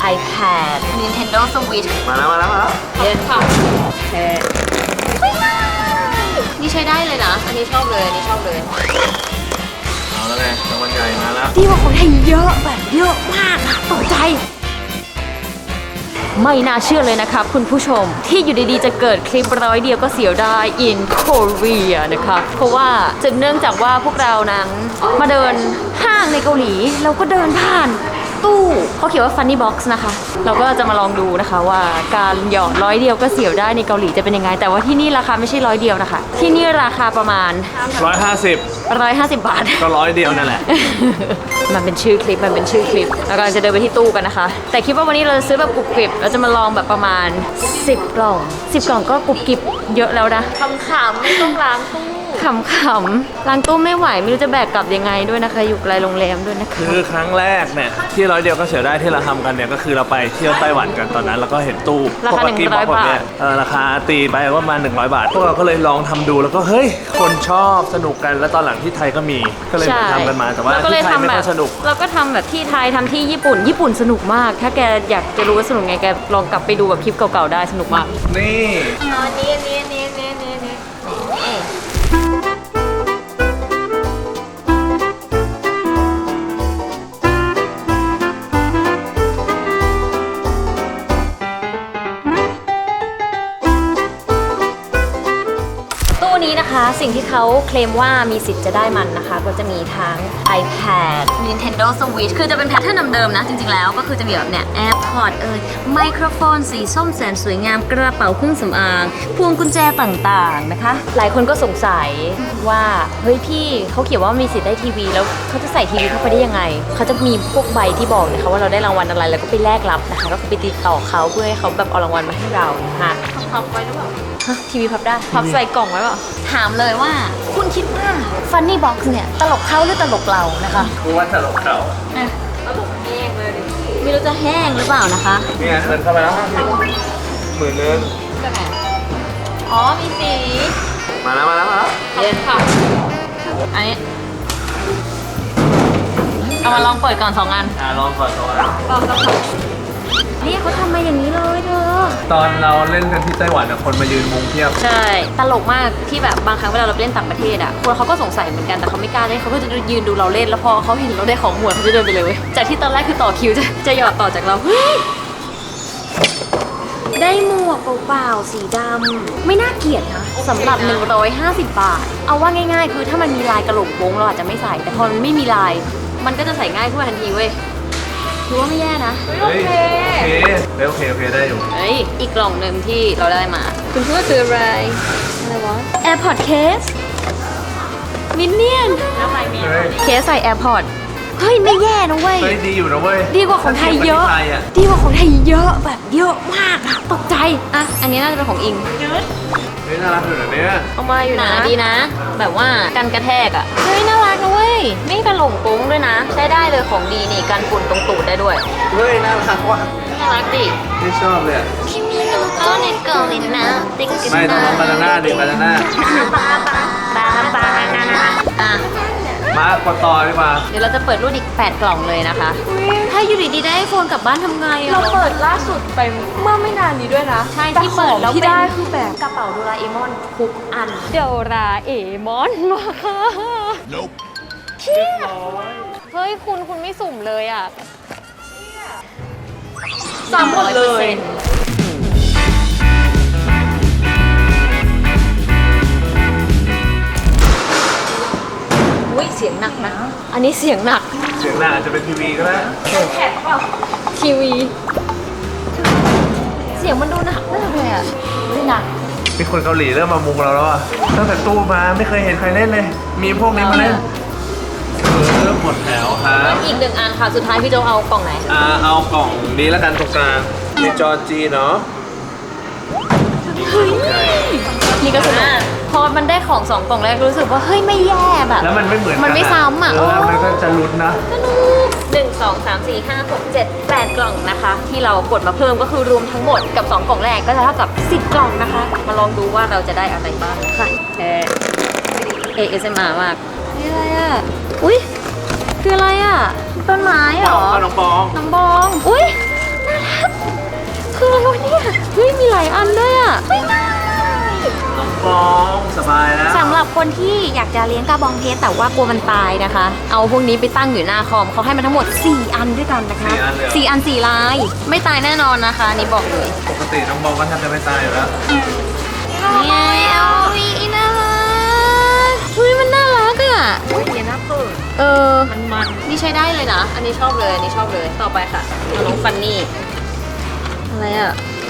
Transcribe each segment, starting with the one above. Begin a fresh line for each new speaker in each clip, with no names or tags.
iPad Nintendo Switch
มาแล้ว
เย็นค่ะนี่ใช้ได้เลยนะอันนี้ชอบเลย
เอาแล้วไงรางวัลใหญ่มาแล้ว
ดีกว่าคนไทยเยอะแบบเยอะมากอะตกใจไม่น่าเชื่อเลยนะครับคุณผู้ชมที่อยู่ดีๆจะเกิดคลิป100 เดียวก็เสียวได้ in Korea นะคะเพราะว่าจะเนื่องจากว่าพวกเรานั้นมาเดินห้างในเกาหลีเราก็เดินผ่านตู้เขาเขียนว่า Funny Box นะคะเราก็จะมาลองดูนะคะว่าการหยอด100 เดียวก็เสียวได้ในเกาหลีจะเป็นยังไงแต่ว่าที่นี่ราคาไม่ใช่100 เดียวนะคะที่นี่ราคาประมาณ150 บาท
ก็100 เดียวนั่นแหละ
มันเป็นชื่อคลิปแล้วก็จะเดินไปที่ตู้กันนะคะแต่คิดว่าวันนี้เราจะซื้อแบบกรุบกริบเราจะมาลองแบบประมาณ10 กล่องก็กรุบกริบเยอะแล้วนะขำๆไม่ต้องล้างตู้ขำๆล้างตู้ไม่ไหวไม่รู้จะแบกกลับยังไงด้วยนะคะอยู่ไกลโรงแรมด้วยนะคะ
คือครั้งแรกเนี่ยที่100 เดียวก็เสียได้ที่เราทำกันเนี่ยก็คือเราไปเที่ยวไต้หวันกันตอนนั้นแล้วก็เห็นตู้
ราคา100 บาท
ราคาตีไปประมาณ100 บาทพวกเราก็เลยลองทำดูแล้วก็เฮ้ยคนชอบสนุกกันแล้วตอนหลังที่ไทยก็มีก็เลยทำกันมาแต่ว่าที่ไทยไม่ค่อยสนุก
เราก็ทำแบบที่ไทยทำที่ญี่ปุ่นสนุกมากถ้าแกอยากจะรู้ว่าสนุกไงแกลองกลับไปดูแบบคลิปเก่าๆได้สนุกมาก
นี่
นี้นะคะสิ่งที่เขาเคลมว่ามีสิทธิ์จะได้มันนะคะก็จะมีทั้ง iPad Nintendo Switch คือจะเป็นแพทเทิร์นเดิมๆนะจริงๆแล้วก็คือจะมีแบบเนี่ย AirPod ไมโครโฟนสีส้มแสนสวยงามกระเป๋าเครื่องสำอางพวงกุญแจต่างๆนะคะหลายคนก็สงสัยว่าเฮ้ยพี่เขาเขียนว่ามีสิทธิ์ได้ทีวีแล้วเขาจะใส่ทีวีเข้าไปได้ยังไงเขาจะมีพวกใบที่บอกนะคะว่าเราได้รางวัลอะไรแล้วก็ไปแลกรับนะคะก็คือไปติดต่อเขาเพื่อให้เขาแบบเอารางวัลมาให้เรานะคะพับไว้หรือเปล่าทีวีพับได้พับใส่กล่องไว้เปล่าถามเลยว่าคุณคิดว่า Funny Box เนี่ยตลกเขาหรือตลกเรานะคะ
กูว่าตลกเขา
ตลกแห้งเลยไม่รู้จะแห้งหรือเปล่านะคะ
เนี่ยเดินเข้าไปแล้ว50,000นึง
อ๋อมีสี
มาแล้ว
เย็นค่ะอันนี้เอามาลองเปิดก่อน2 อัน
ลองก่อน2 อัน
นี่เขาทำมาอย่างนี้เลยเธอ
ตอนเราเล่นกันที่ไต้หวันคนมายืนมุงเทียบ
ใช่ตลกมากที่แบบบางครั้งเวลาเราไปเล่นต่างประเทศอ่ะคนเขาก็สงสัยเหมือนกันแต่เขาไม่กล้าเล่นเขาก็จะยืนดูเราเล่นแล้วพอเขาเห็นเราได้ของหมวดเขาจะเดินไปเลยเว้ยจากที่ตอนแรกคือต่อคิวจะหยอดต่อจากเราได้หมวกเปล่าๆสีดำไม่น่าเกลียดนะสำหรับ150 บาทเอาว่าง่ายๆคือถ้ามันมีลายกระโหลกวงเราอาจจะไม่ใส่แต่พอมันไม่มีลายมันก็จะใส่ง่ายขึ้นมาทันทีเว้ยถือว่าไม่แย่นะ
โอเคได้อยู่
อีกกล่องหนึ่งที่เราได้มาคุณคิดว่าคืออะไรวะ AirPod Case มินเนี่ยนเคสใส่ AirPod เฮ้ยไม่แย่นะเว้ย
ดีอยู่นะเว้ย
ดีกว่าของไทยเยอะแบบเยอะมากอะตกใจอ่ะอันนี้น่าจะเป็นของอิง
เฮ้ยน่ารักอยู่นะเนี่ย
เอามาอยู่นะดีนะแบบว่ากันกระแทกอ่ะเฮ้ยน่ารักนะเว้ยไม่กระหล่งโป้งด้วยนะใช้ได้เลยของดีนี่กันฝุ่นตรงตูดได้ด้วย
เฮ้ยน่ารักว่ะ
น่ารักดิ
ไม่ชอบเลยไม่ต้องบานาน่าดิบานาน่า
อ่ะ
มากดต่อดีกว่า
เดี๋ยวเราจะเปิดรุ่นอีก8 กล่องเลยนะคะถ้าอยู่ดีๆได้ไอโฟนกลับบ้านทำไง
เราเปิดล่าสุดไปเมื่อไม่นานนี้ด้วยนะ
ใช่ที่เปิดแล้ว
ที่ได้คือแบบ
กระเป๋าโดราเอมอนทุกอันโดราเอมอนมาค่ะเฮ้ยคุณไม่สุ่มเลยอ่ะ
ซ้ำหมดเลย
เสียงหนักนะอันนี้เสียงหนัก
อาจจะเป็นทีวีก็ได้
แท็กเปล่า
ทีวีเสียงมันดูหนักมากเลยอ่ะไม่หนัก
มีคนเกาหลีเริ่มมามุงเราแล้วอ่ะตั้งแต่ตู้มาไม่เคยเห็นใครเล่นเลยมีพวกนี้มาเล่นหมดแถวครับ
อีก1 อันค่ะสุดท้ายพี่โจเอากล่องไหน
เอากล่องนี้แล้วกันตรงกลางมีจอจีเนาะ
นี่ก็สนุกพอมันได้ของ2 กล่องแรกรู้สึกว่าเฮ้ยไม่แย่แบบ
แล้วมันไม่เหมือน
มันไม่ซ้ำอ่ะ
มันก็จะลุ้นนะ
1 2 3 4 5 6 7 8 กล่องนะคะที่เรากดมาเพิ่มก็คือรวมทั้งหมดกับ2 กล่องแรกก็จะเท่ากับ10 กล่องนะคะมาลองดูว่าเราจะได้อะไรบ้างค่ะASMR มากนี่อะไรอ่ะอุ้ยคืออะไรอ่ะต้นไม้เหรอ
น้องบอง
อุ้ยน่าายอันด้วยอ่ะ
น้องฟองสบายแล้ว
สำหรับคนที่อยากจะเลี้ยงกระบองเพชรแต่ว่ากลัวมันตายนะคะ เอาพวกนี้ไปตั้งอยู่หน้าคอมเขาให้มาทั้งหมด 4 อันด้วยกันนะคะ 4 อัน 4 ลาย ไม่ตายแน่นอนนะคะนี่บอกเลย
ปกติน้องฟองก็แทบจะไม่ตายอยู่แล้ว
นี่เอาวีน่ารักเฮ้ยมันน่ารักอ่ะ
โอ้ยเนี่ยน่าเปิด
เออ
มัน
นี่ใช้ได้เลยนะ อันนี้ชอบเลย อันนี้ชอบเลย ต่อไปค่ะน้องฟันนี่ อะไรอ่ะ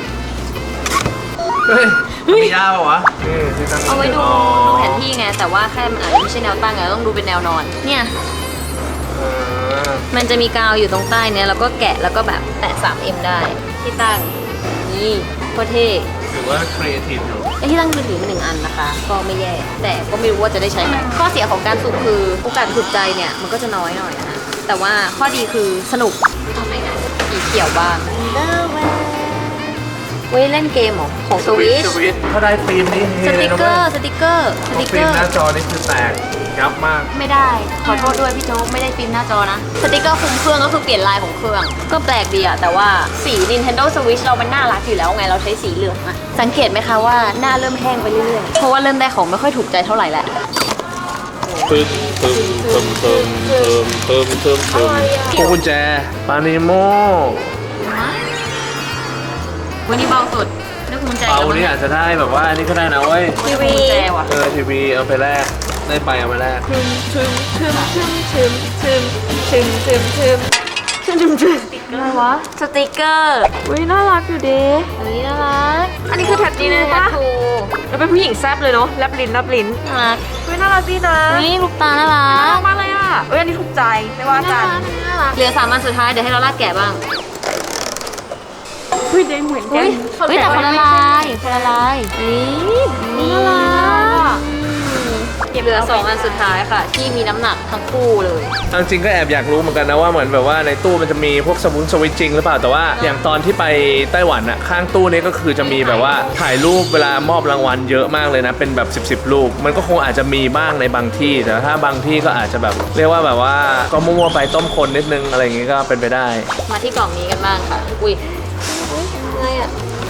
เฮ้ยมียาวเหรอวะนี่ที่ตั้ง
เอาไว้ดูแผนที่ไง แต่ว่าแค่มันอาจจะไม่ใช่แนวตั้งไงต้องดูเป็นแนวนอน เนี่ย
เออ
มันจะมีกาวอยู่ตรงใต้เนี่ยแล้วก็แกะแล้วก็แบบแตะ 3M ได้ ที่ตั้ง นี่โคตรเท่
ถือว่าครีเอทีฟอยู่
ไอ้ที่ตั้งมือถือมา1 อันนะคะ ก็ไม่แย่ แต่ก็ไม่รู้ว่าจะได้ใช้ไหมข้อเสียของการสุ่มคือโอกาสถูกใจเนี่ยมันก็จะน้อยหน่อยนะ แต่ว่าข้อดีคือสนุกทำไมนะสีเขียวบ้างเว้ยเล่นเกมเหรอของสวิช
ถ้าได้ฟิล์มนี่เฮ
ส
เล
ติ
ย
ก
นะ
เก
เว้
อย ร์สติกเกอร์ สติกเก
ฟิ
อ
ล์ม
ร์
หน้าจอนี่คือแตกยับมาก
ไม่ได้ ขอโทษด้วยพี่โจ๊กไม่ได้ฟิล์มหน้าจอนะ สติกเกอร์คุมเครื่องก็คือเปลี่ยนลายของเครื่อง ก็แปลกดีอะแต่ว่าสี Nintendo Switch เรามันน่ารักอยู่แล้วไง เราใช้สีเหลืองอะสังเกตไหมคะว่าหน้าเริ่มแห้งไปเรื่อยๆ เพราะว่าเริ่มได้ของไม่ค่อยถูกใจเท่าไหร่แหละ
ปึ้มปึ้มปึ้มปึ้มปึ้มปึ้มปึ้มปึ้มพวงกุญแจปานิโม
วันนี้เบาสุดนึกภูมิใจ
เปานี่อาจจะได้แบบว่าอันนี้ก็ได้นะเว้ย
ทีวีแจว่ะ
ทีวีเอาไปแลกได้ไปเอาไปแลก
ทึมทึมทึมทึมทึมทึมทึมทึมทึมอะไรวะ
สติกเกอร์
อุ้ยน่ารักอยู่ดี
เฮ้ยน่ารัก
อันนี้คือแท็บจีเลยปะ
ถูก
แล้วเป็นผู้หญิงแซ่บเลยเนาะแลบลิ้นแลบลิ้น
น่ารัก
อุ้ยน่ารักดีนะ
นี่ลูกตาน่ารั
น่าก รักมากเลยอ่ะเอ้ยอันนี้ถูกใจไม่ว่ากัน
น่ารักเหลือ3 อันสุดท้ายเดี๋ยวให้เราลากแกะบ้าง
อุ้ยได้เหมือนกั
เฮ้
น
ยแต่คนละลายคนละลายนี่น่ารักเหลือ2 อันสุดท้ายค่ะ ที่มีน้ำหนักทั้งคู่เลย
เอาจริงก็แอบอยากรู้เหมือนกันนะว่าเหมือนแบบว่าในตู้มันจะมีพวกสวิตช์จริงหรือเปล่าแต่ว่าอย่างตอนที่ไปไต้หวันอะข้างตู้นี้ก็คือจะมีแบบว่าถ่ายรูปเวลามอบรางวัลเยอะมากเลยนะเป็นแบบ10รูปมันก็คงอาจจะมีบ้างในบางที่แต่ถ้าบางที่ก็อาจจะแบบเรียกว่าแบบว่าก็มั่วๆไปต้มคนนิดนึงอะไรอย่างงี้ก็เป็นไปได้
มาที่กล่องนี้กันบ้างค่ะ อุ้ยอะไรอ่ะ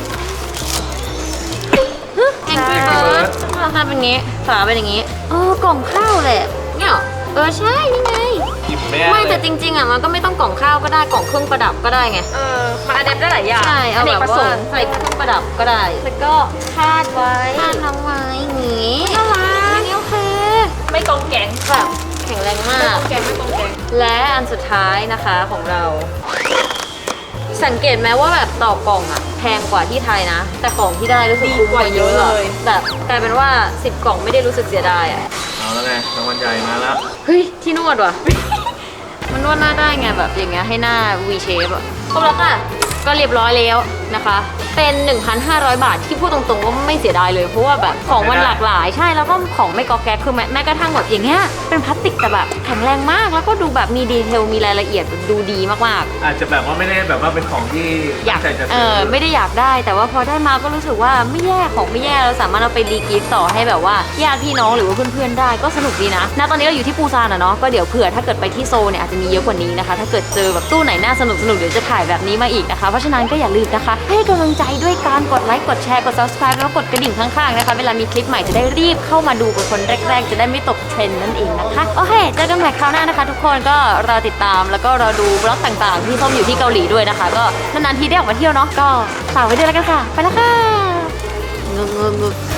แองกี้เบิร์ดราคาเป็นงี้ฝาเป็นอย่างงี้กล่องข้าวแหละเนี่ยใช่นี่ไง
หยิบไม่
ไม่
ได้
แต่จริงๆอ่ะมันก็ไม่ต้องกล่องข้าวก็ได้กล่องเครื่องประดับก็ได้ไง
มันอัดแอปได้หลายอย่าง
ใช่เอา
น
แบ
ก
บ
ประส
ว่าง
ค์
ใส่เครื่องประดับก็ได้
แล้วก็คาดไว้
ทานน้องไว้อย่างงี้
น่ารัก
นี่โอเค
ไม่กองแกง
แบบแข็งแรงมาก
แกงไม่กองแกง
และอันสุดท้ายนะคะของเรา สังเกตไหมว่าแบบต่อกล่องอะแพงกว่าที่ไทยนะ แต่ของที่ได้รู้สึกคุ้มกว่าเยอะเลยแบบกลายเป็นว่า10 กล่องไม่ได้รู้สึกเสียดายอะ
เอาแล้วไงรางวัลใหญ่มาแล้ว
เฮ้ยที่นวดว่ะ มันนวดหน้าได้ไงแบบอย่างเงี้ยให้หน้า V shape อะครบแล้วค่ะก็เรียบร้อยแล้วนะคะ เป็น 1,500 บาทที่พูดตรงๆว่าไม่เสียดายเลยเพราะว่าแบบของมันหลากหลายใช่แล้วก็ของไม่กอแก๊กคือแม้กระทั่งแบบอย่างเงี้ยเป็นพลาสติกแต่แบบแข็งแรงมากแล้วก็ดูแบบมีดีเทลมีรายละเอียดดูดีมากๆ
อาจจะแบบว่าไม่ได้แบบว่าเป็นของที่
อยาก
ตั้งใจจะซื้อ
ไม่ได้อยากได้แต่ว่าพอได้มาก็รู้สึกว่าไม่แย่ของไม่แย่เราสามารถเอาไปรีกิฟต์ต่อให้แบบว่าญาติพี่น้องหรือว่าเพื่อนๆได้ก็สนุกดีนะตอนนี้เราอยู่ที่ปูซานอะเนาะก็เดี๋ยวเผื่อถ้าเกิดไปที่โซลเนี่ยอาจจะมีเยอะกว่านี้นะคะถ้าเกิดเจอแบบตู้ไหนน่าสนุกเดี๋ยวจะถ่ายแบบนี้มาอีกนะคะเพราะฉะนั้นก็อย่าลืมนะคะให้กำลังใจด้วยการกดไลค์กดแชร์กด subscribe แล้วกดกระดิ่งข้างๆนะคะเวลามีคลิปใหม่จะได้รีบเข้ามาดูเป็นคนแรกๆจะได้ไม่ตกเทรนด์นั่นเองนะคะโอเคเจอกันใหม่คราวหน้านะคะทุกคนก็รอติดตามแล้วก็รอดูบล็อกต่างๆที่ส้มอยู่ที่เกาหลีด้วยนะคะก็นานๆทีได้ออกมาเที่ยวเนาะก็ฝากไว้ด้วยแล้วกันค่ะ ไปแล้วค่ะงึก